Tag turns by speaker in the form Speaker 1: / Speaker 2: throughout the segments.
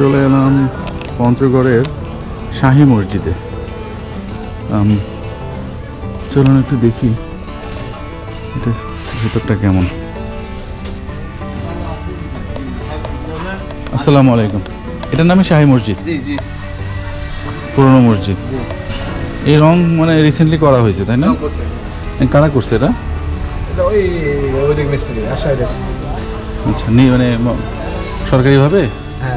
Speaker 1: চলে এলাম পঞ্চগড়ের শাহী মসজিদে। চলুন একটু দেখি এটা ভেতরটা কেমন। আসসালামু আলাইকুম। এটার নামে শাহী মসজিদ?
Speaker 2: জি জি,
Speaker 1: পুরনো মসজিদ। এই রং মানে রিসেন্টলি করা হয়েছে তাই না? কারা করছে এটা?
Speaker 2: ওই মিস্ত্রি আশায় দেশ।
Speaker 1: আচ্ছা, মানে সরকারিভাবে?
Speaker 2: হ্যাঁ।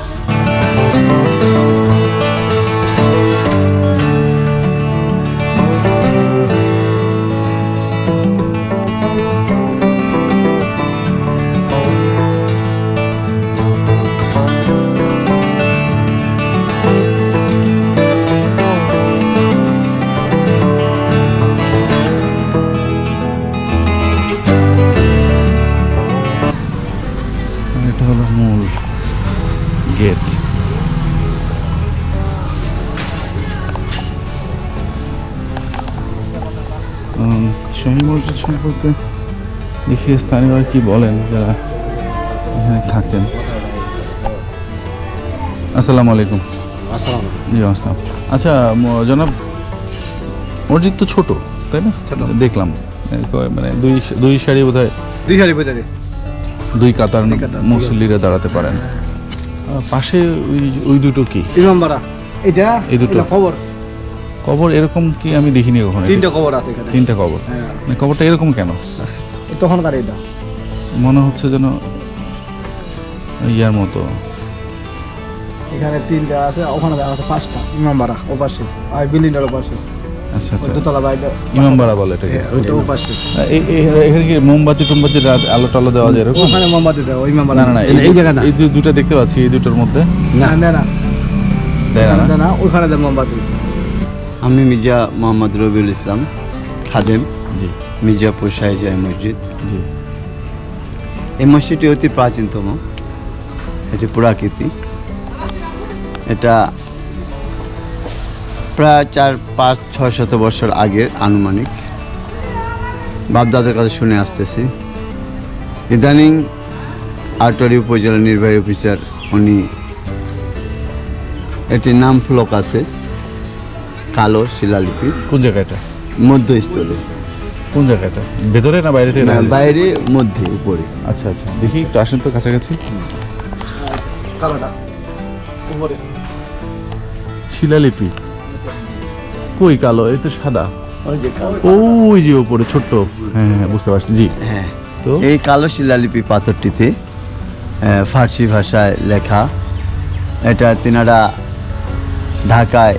Speaker 1: এটা হলো মূল গেট। শাহী মসজিদ সম্পর্কে দেখি স্থানীয়রা কি বলেন যারা এখানে থাকেন। আসসালামু আলাইকুম। জি আসসালাম। আচ্ছা জনাব, মসজিদ তো ছোট তাই না?
Speaker 2: ছোট।
Speaker 1: দেখলাম মানে দুই সারি বোধহয়,
Speaker 2: দুই সারি বোঝা যায়।
Speaker 1: দুই কাতার মুসল্লিরা দাঁড়াতে পারেন। পাশে ওই দুটো কি?
Speaker 2: ইমামবাড়া। এটা
Speaker 1: এই দুটো
Speaker 2: খবর।
Speaker 1: কবর এরকম কি আমি দেখিনি কখনো।
Speaker 2: তিনটা খবর আছে এখানে।
Speaker 1: তিনটা কবর?
Speaker 2: হ্যাঁ।
Speaker 1: মানে কবরটা এরকম কেন?
Speaker 2: তখনকার এটা
Speaker 1: মনে হচ্ছে যেন ইয়ার মতো।
Speaker 2: এখানে তিনটা আছে, ওখানে আছে পাঁচটা। ইমামবাড়া ও পাশে, আর বিল্ডিংটার পাশে।
Speaker 1: আচ্ছা আচ্ছা,
Speaker 2: দোতলা বাড়িটা
Speaker 1: ইমামবাড়া বলে এটাকে।
Speaker 2: ওইটা ও পাশে।
Speaker 1: এখানে কি মোমবাতি টোমবাতি আলো টালো দেওয়া যায় এরকম?
Speaker 2: ওখানে মোমবাতি দেওয়া, ওই ইমামবাড়া।
Speaker 1: না না না,
Speaker 2: এই জায়গাটা
Speaker 1: এই দুটো দেখতে পাচ্ছি, এই দুটোর মধ্যে
Speaker 2: না না না
Speaker 1: দেয় না না?
Speaker 2: না, ওখানে দেয় মোমবাতি।
Speaker 3: আমি মির্জা মোহাম্মদ রবিউল ইসলাম, খাদেম,
Speaker 1: জি
Speaker 3: মির্জাপুর শাহী মসজিদ।
Speaker 1: জি।
Speaker 3: এই মসজিদটি অতি প্রাচীনতম, এটি পুরাকীর্তি। এটা প্রায় 4-5-6 বছর আগের আনুমানিক বাপদাদের কাছে শুনে আসতেছি। ইদানিং আটোয়ারি উপজেলা নির্বাহী অফিসার উনি এটির নাম ফলক আছে কালো শিলালিপি
Speaker 1: কোন জায়গাটা?
Speaker 3: মধ্যস্থলে,
Speaker 1: কোন জায়গাটা? ভেতরে না বাইরে থেকে?
Speaker 3: না, বাইরে মধ্যে উপরে।
Speaker 1: আচ্ছা আচ্ছা, দেখি একটু আসেন তো কাছাকাছি।
Speaker 2: কালোটা উপরে।
Speaker 1: শিলালিপি কই কালো? এই তো সাদা।
Speaker 3: ওই যে কালো।
Speaker 1: ওই যে উপরে ছোট্ট। হ্যাঁ হ্যাঁ বুঝতে পারছি। জি।
Speaker 3: হ্যাঁ,
Speaker 1: তো
Speaker 3: এই কালো শিলালিপি পাথরটিতে ফার্সি ভাষায় লেখা। এটা তিনারা ঢাকায়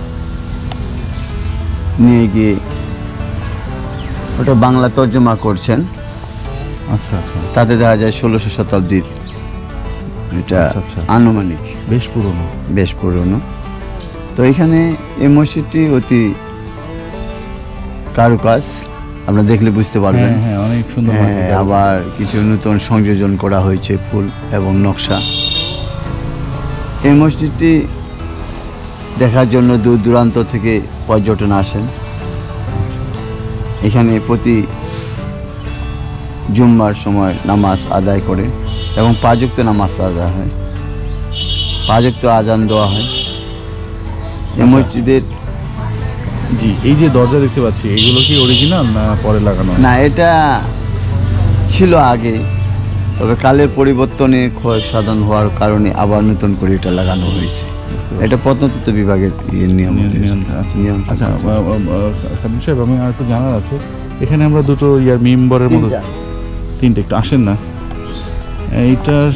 Speaker 3: নিয়ে গিয়ে ওটা বাংলা তর্জমা করছেন।
Speaker 1: আচ্ছা আচ্ছা,
Speaker 3: তাতে দেখা যায় 16 শতাব্দীর এটা
Speaker 1: আচ্ছা, আচ্ছা।
Speaker 3: আনুমানিক,
Speaker 1: বেশ পুরনো।
Speaker 3: বেশ পুরনো। তো এখানে এই মসজিদটি অতি কারুকাজ, আপনারা দেখলে বুঝতে পারবেন।
Speaker 1: হ্যাঁ হ্যাঁ, অনেক সুন্দর
Speaker 3: হ্যাঁ,
Speaker 1: মসজিদ।
Speaker 3: আবার কিছু নতুন সংযোজন করা হয়েছে, ফুল এবং নকশা। এই মসজিদটি দেখার জন্য দূর দূরান্ত থেকে পর্যটন আসেন।
Speaker 1: আচ্ছা।
Speaker 3: এখানে প্রতি জুম্মার সময় নামাজ আদায় করে এবং 5 ওয়াক্ত নামাজ আদায় হয়, 5 ওয়াক্ত আজান দেওয়া হয়। এই
Speaker 1: আচ্ছা।
Speaker 3: মসজিদের
Speaker 1: জি, এই যে দরজা দেখতে পাচ্ছি, এগুলো কি অরিজিনাল না পরে লাগানো?
Speaker 3: না, এটা ছিল আগে, তবে কালের পরিবর্তনে ক্ষয় সাধন হওয়ার কারণে আবার নতুন করে এটা লাগানো হয়েছে।
Speaker 1: বুঝতে পারছি।
Speaker 3: এটা প্রত্নতত্ত্ব বিভাগের নিয়ম।
Speaker 1: আচ্ছা
Speaker 3: নিয়ন্ত্রণ
Speaker 1: আচ্ছা।
Speaker 3: আছে।
Speaker 1: খাদিম সাহেব, আমি আর একটু জানার আছে। এখানে আমরা দুটো মেম্বারের মতো তিনটে, একটু আসেন না। এইটার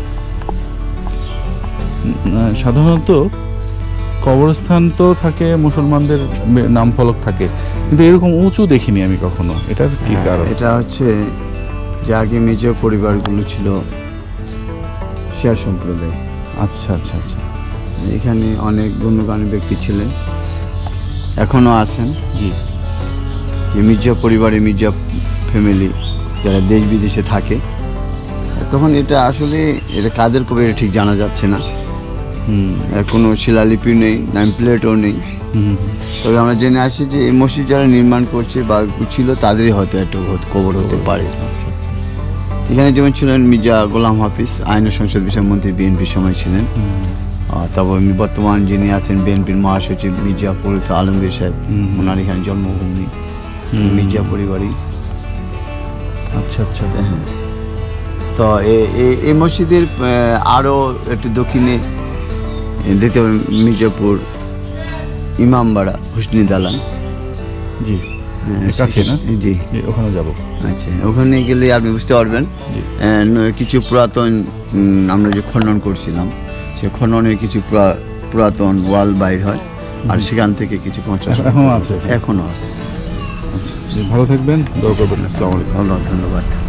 Speaker 1: সাধারণত কবরস্থান তো থাকে, মুসলমানদের নাম ফলক থাকে, কিন্তু এরকম উঁচু দেখিনি আমি কখনো। এটার কি কারণ?
Speaker 3: এটা হচ্ছে যে আগে মির্জা পরিবারগুলো ছিল শিয়া সম্প্রদায়।
Speaker 1: আচ্ছা আচ্ছা আচ্ছা।
Speaker 3: এখানে অনেক গণ্যমান্য ব্যক্তি ছিলেন, এখনও আছেন।
Speaker 1: জি।
Speaker 3: যে মির্জা পরিবারে, মির্জা ফ্যামিলি যারা দেশ বিদেশে থাকে, তখন এটা আসলে এটা কাদের কবে এটা ঠিক জানা যাচ্ছে না। কোনো শিলালিপি নেই, নাম প্লেটও নেই। তবে আমরা জেনে আসি যে এই মসজিদ যারা নির্মাণ করছে বা ছিল তাদেরই হয়তো একটা কবর হতে পারে।
Speaker 1: আচ্ছা আচ্ছা।
Speaker 3: এখানে যেমন ছিলেন মির্জা গোলাম হাফিজ, আইন ও সংসদ বিষয় মন্ত্রী, বিএনপির সময় ছিলেন। তারপর বর্তমান যিনি আছেন বিএনপির মহাসচিব মির্জাপুর আলমগীর সাহেব, ওনার এখানে জন্মভূমি, মির্জা পরিবারই।
Speaker 1: আচ্ছা আচ্ছা।
Speaker 3: হ্যাঁ, তো এই মসজিদের আরও একটু দক্ষিণে দেখতে পাবেন মির্জাপুর ইমামবাড়া হুসনি দালান।
Speaker 1: জি,
Speaker 3: হ্যাঁ,
Speaker 1: কাছে না?
Speaker 3: জি।
Speaker 1: জি, ওখানে যাব।
Speaker 3: আচ্ছা, ওখানে গেলে আপনি বুঝতে পারবেন
Speaker 1: জি।
Speaker 3: কিছু পুরাতন আমরা যে খনন করছিলাম, সে খননের কিছু পুরাতন ওয়াল বাইর হয়, আর সেখান থেকে কিছু
Speaker 1: এখনো আছে?
Speaker 3: এখনো আছে।
Speaker 1: আচ্ছা, জি, ভালো থাকবেন, দোয়া করবেন। আসসালামু আলাইকুম।
Speaker 3: ধন্যবাদ।